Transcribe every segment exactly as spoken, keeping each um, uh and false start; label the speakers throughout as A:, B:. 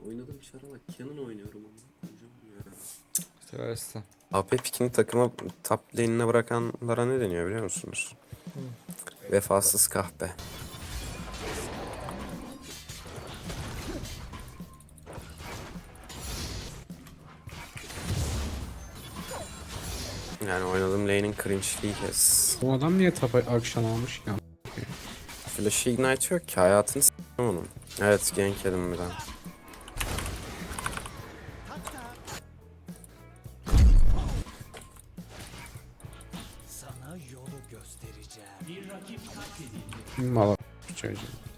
A: Oynadığım çara bak. Canon oynuyorum ama. Koyacağım ya.
B: Seversin.
A: A P pikini takıma top lane'ine bırakanlara ne deniyor biliyor musunuz? Vefasız kahpe. Yani oynadığım lane'in cringe'liği kes.
C: Bu adam niye tapa akşam almış ya?
A: Flash'ı ignite yok ki, hayatını s**tim onun. Evet, gank yedim bir daha.
D: Sana yolu göstereceğim. Bir rakip katledildi.
C: Mala çocuğu.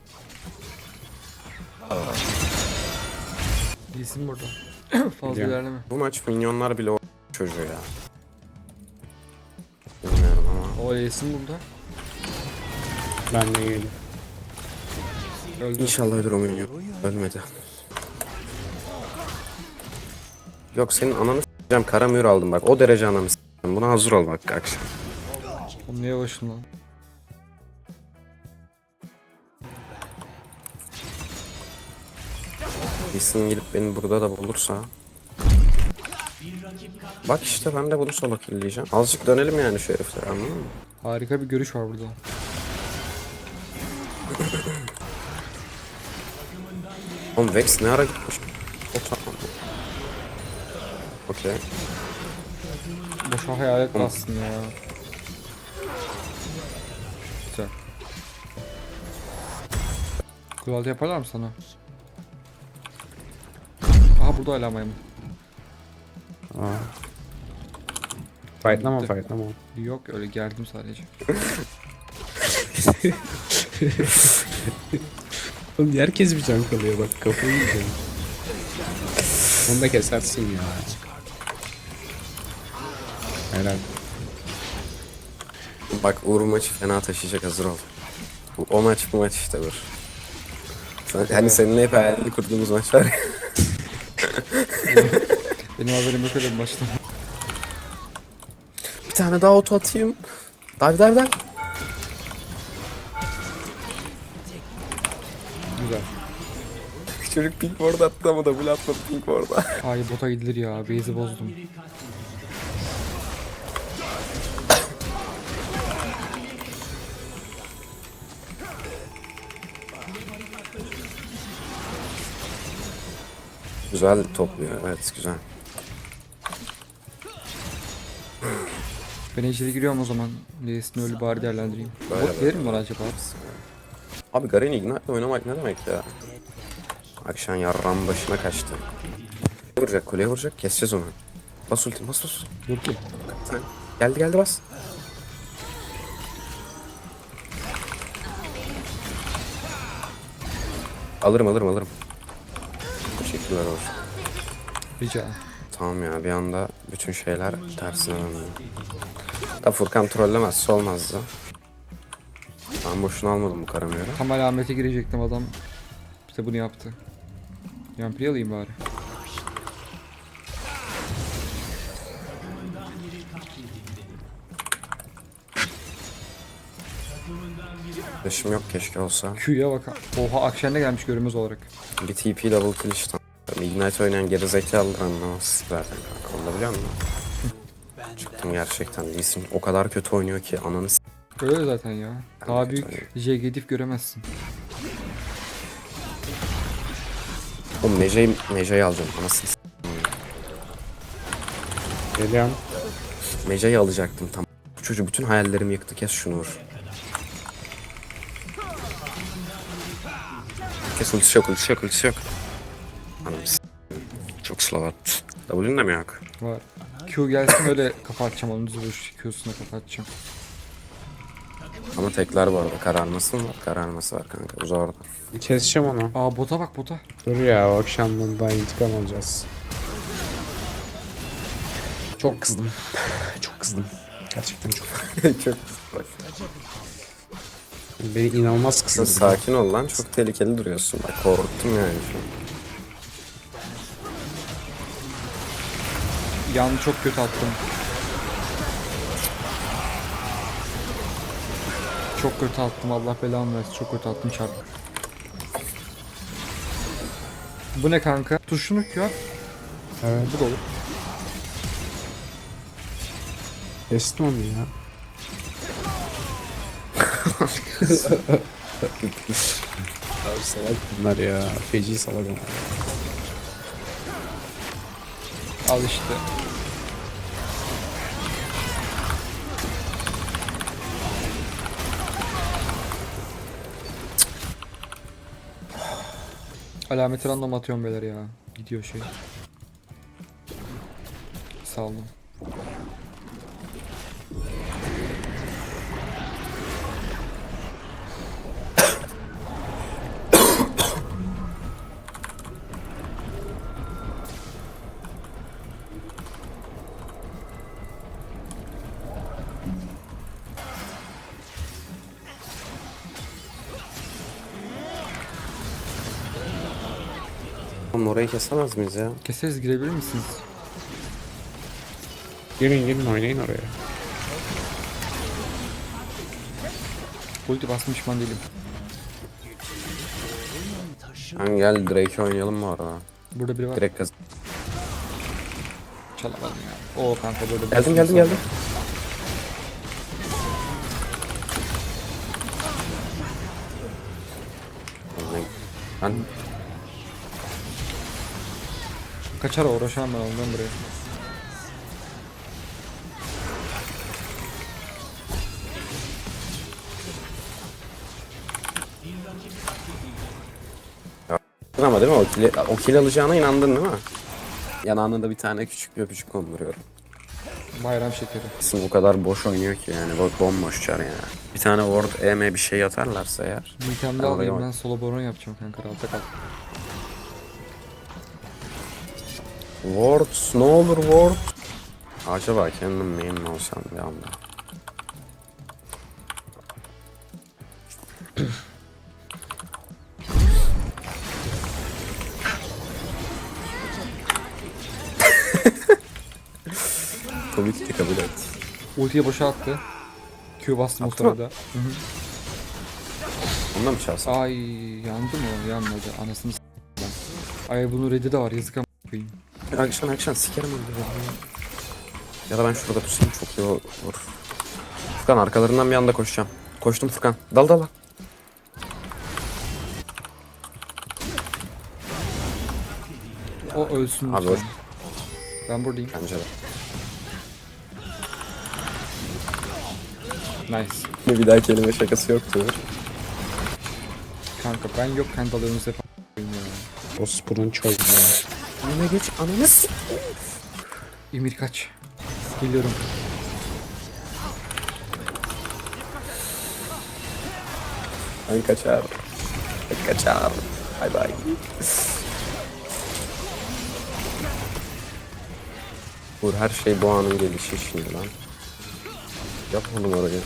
B: İyisin burada. Fazla
C: Biliyorum.
B: ilerleme.
A: Bu maç minyonlar bile o çocuğu ya. Bilmiyorum ama.
B: O iyisin burada.
C: Ben de iyiyim.
B: Öldü.
A: İnşallah ölür o minyon. Ölmedi. Yok, senin ananı s**eceğim, kara mühür aldım bak. O derece ananı s**eceğim. Buna hazır ol bak akşam.
B: Oğlum niye başım lan?
A: Bilsin gelip beni burada da bulursa. Bak işte ben de bunu solo killeyeceğim. Azıcık dönelim yani şu heriflere, anladın mı?
B: Harika bir görüş var burada.
A: Oğlum Vex ne ara gitmiş? O tamam. Okey.
B: Boşa hayalet bastın ya. Güzel. Kulağı yaparlar mı sana? Aha burada hala maymun.
C: Aa. Fightlama fightlama.
B: Yok öyle geldim sadece.
C: Oğlum herkes bir can kalıyor bak, kafayı yiyeceğim. Onu da kesersin ya. Helal.
A: Bak Uğur maçı fena taşıyacak, hazır ol. Bu, o maç bu maç işte dur. Sen, hani seninle hep hayalini kurduğumuz maç var ya.
B: Benim haberim yok öyle bir maçtan.
A: Bir tane daha auto atayım. Dive dive dive.
C: Güzel.
A: Çocuk pink ward attı ama double atmadı pink ward'a.
B: Ay bota gidilir ya. Base'i bozdum.
A: Güzel topluyor, evet güzel.
B: Ben ejderi giriyorum o zaman. Leys'ini öyle bari değerlendireyim.
A: Böyle
B: Bot
A: böyle.
B: gelir mi bana acaba?
A: Abi Garen Ignite'le oynamak ne demek ya? Akşam yarram başına kaçtı. Vuracak, kuleye vuracak, keseceğiz onu. Bas ultim, bas bas.
C: Yok ki.
A: Sen. Geldi geldi bas. Alırım alırım alırım. Teşekkürler olsun.
B: Rica.
A: Tamam ya, bir anda bütün şeyler tersine döndü. Da Furkan trollemezse olmazdı. Ben boşuna almadım bu karamıyla.
B: Tam alamete girecektim adam. İşte bunu yaptı. Yampiri alayım bari.
A: Flash'ım yok, keşke olsa.
B: Q'ya bak. Oha Akşen'de gelmiş görünmez olarak.
A: Bir T P double kill işte. Ignite oynayan gerizekalılar anlamaz zaten kanka. Onu da biliyor musun? Çıktım gerçekten. Lee Sin o kadar kötü oynuyor ki ananı s***.
B: Öyle zaten ya. Daha
A: Evet,
B: büyük J G diff göremezsin.
A: Oğlum Mece'yi Mece'yi alacağım. Anasını s***.
C: Geliyorum.
A: Mece'yi alacaktım tam. Bu çocuk bütün hayallerimi yıktı. Kes şunu vur. Kes, ultisi yok, ultisi yok, ultisi yok. Anam s***. Çok slow attı. W'nin de mi yok?
B: Var. Q gelsin öyle kafa atacağım onun düz Q'suna kafa atacağım.
A: Ama tekler bu arada. Kararması mı var? Kararması var kanka. Uza orada.
C: Keseceğim onu.
B: Aa bota bak bota.
C: Dur ya, o akşamdan daha intikam alacağız. Çok kızdım. Çok kızdım. Gerçekten çok.
A: Çok bak.
C: Beni inanılmaz kızdırdı.
A: Sakin ol lan. Çok tehlikeli duruyorsun. Bak korktum yani şu an.
B: Yanı çok kötü attım. Çok kötü attım Allah belamı versin. Çok kötü attım çarpı. Bu ne kanka? Tuşunu Q at.
C: Evet.
B: Bu da olur.
C: Kestim onu ya. Abi salak bunlar ya. Feci salak onlar.
B: Al işte. Alameti random atıyorum beyler ya. Gidiyor şey. Sağ olun.
A: Oğlum orayı kesemez miyiz ya?
B: Keseriz, girebilir misiniz?
C: Girin girin oynayın oraya.
B: Ulti basmış pişman değilim.
A: Lan gel Drake oynayalım mı arada?
B: Burada biri var.
A: Direkt kaz.
B: Çalamadım ya. Oo kanka burada.
A: Geldim geldim geldim. Ben
B: Kaçar uğraşamam ben ondan buraya.
A: ama değil mi? O kill, o kill alacağına inandın değil mi? Yanağına da bir tane küçük bir öpücük konduruyorum.
B: Bayram şekeri.
A: Aslında bu kadar boş oynuyor ki yani. Bak bomboş çar yani. Bir tane ward E M bir şey atarlarsa eğer.
B: Mükemmel
A: Ben oraya
B: alayım,
A: bak-
B: ben solo baron yapacağım kanka, rahatta kal.
A: Ward ne olur ward. Acaba kendim main mi olsam bir anda. Komikti, kabul et.
B: Ultiyi boşa attı. Q bastım o
A: Attı mı?
B: sırada. Hı hı.
A: Ondan mı çalsam?
B: Ay yandı mı? Yanmadı. Anasını s*** ben. Ay bunun red'i de var, yazık ama koyayım.
A: Akşam akşam sikerim onu. Ya da ben şurada tutsam çok iyi olur. Furkan arkalarından bir anda koşacağım. Koştum Furkan. Dal dal dal.
B: O ölsün
A: Abi
B: lütfen. Ben buradayım.
A: Bence de.
B: Nice.
A: Bir daha kelime şakası yoktu.
B: Kanka ben yokken dalıyorsunuz hep a**ayım ya.
C: O sporun çoğu ya.
A: Önüne geç ananı s***.
B: Emir kaç. Geliyorum.
A: Ben kaçar. Ben kaçar. Bay bay. Vur her şey bu anın gelişi şimdi lan. Yap oğlum orayı.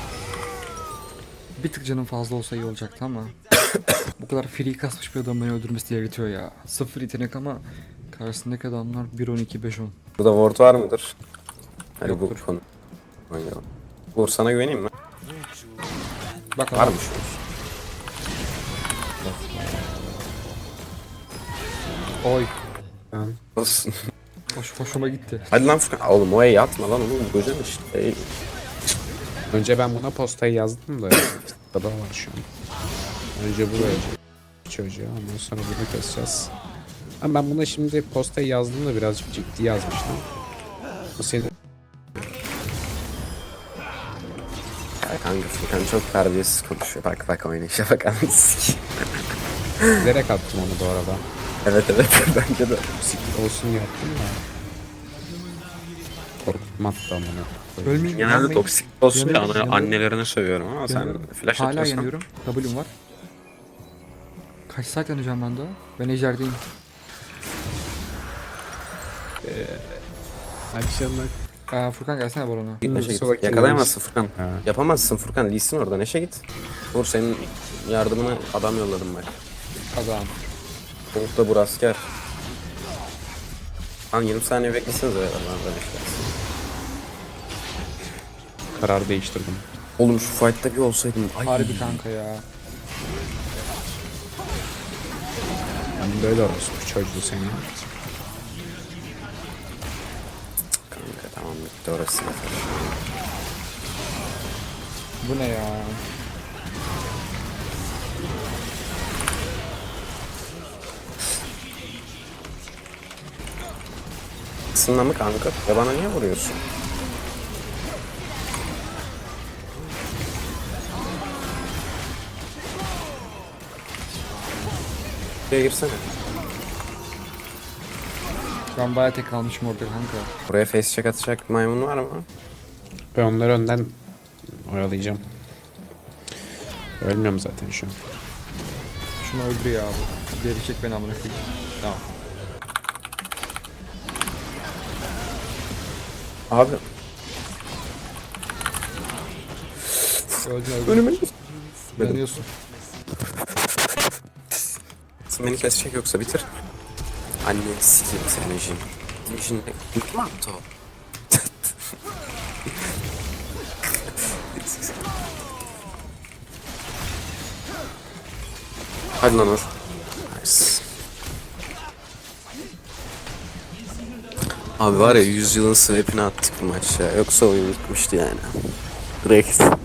B: Bir tık canım fazla olsa iyi olacaktı ama bu kadar free kasmış bir adam beni öldürmesi delirtiyor ya. Sıfır yetenek ama karşısındaki adamlar bir on iki beş on.
A: Burada ward var mıdır? Hadi
B: Yoktur.
A: bu konu. Oynayalım. Vur sana güveneyim mi?
B: Bak adam.
A: Varmış.
B: Oy.
C: Ben
A: Olsun.
B: Hoş, hoşuma gitti.
A: Hadi lan Furkan. Oğlum o E'yi atma lan oğlum. Kocan işte. Ey.
C: önce ben buna postayı yazdım da burada var şu an. Önce bu verecek çocuğa, ondan sonra bunu keseceğiz. Ama ben buna şimdi postayı yazdım da birazcık ciddi yazmıştım. Bu senin
A: Ya kanka Furkan çok terbiyesiz konuşuyor. Bak bak oynayışa bak anasını sikeyim.
C: bilerek attım onu bu arada.
A: Evet evet bence de.
C: Siktir olsun yaptım da. Korkutma hatta bunu.
B: Ölmeyin.
A: Genelde
B: yanmayın.
A: toksik olsun ya
B: Yanıyorum,
A: ana-
B: yanıyorum.
A: annelerini sövüyorum ama sen
B: Yanıyorum.
A: flash
B: Hala
A: atıyorsan.
B: yanıyorum. W'm var. Kaç saat yanacağım ben daha? Ben ejderdeyim.
C: Akşamlar.
B: Aa, Furkan gelsene barona.
A: Neşe
C: Sonra
A: git. Yakalayamazsın Furkan.
C: Ha.
A: Yapamazsın Furkan. Lee'sin orada. Neşe git. Vur senin yardımına adam yolladım bak.
B: Adam.
A: Kovuk da bu asker. Lan yirmi saniye beklesenize ya. Lan da beklersin.
C: Karar değiştirdim.
A: Oğlum şu fight'ta bir olsaydım. Ay.
B: Harbi kanka ya.
C: Ben böyle orospu çocuğu seni.
A: Kanka tamam bitti orası yeter.
B: Bu ne ya?
A: Isınma mı kanka? Ya bana niye vuruyorsun? Buraya girsene.
B: Şu an bayağı tek kalmışım orada kanka.
A: Buraya face check atacak maymun var mı?
C: Ben onları önden oyalayacağım. Ölmüyorum zaten şu an.
B: Şunu öldürüyor abi. Geri çek beni amına koyayım. Tamam.
A: Abi
B: Öldün öldün.
A: önüme
B: Yanıyorsun.
A: Sen beni kesecek yoksa bitir. Anne sikeyim senin Jin. Jin ne mi attı o? Hadi lan Uğur. Nice. Abi var ya yüzyılın swap'ini attık bu maçta. Yoksa oyun bitmişti yani. Direkt.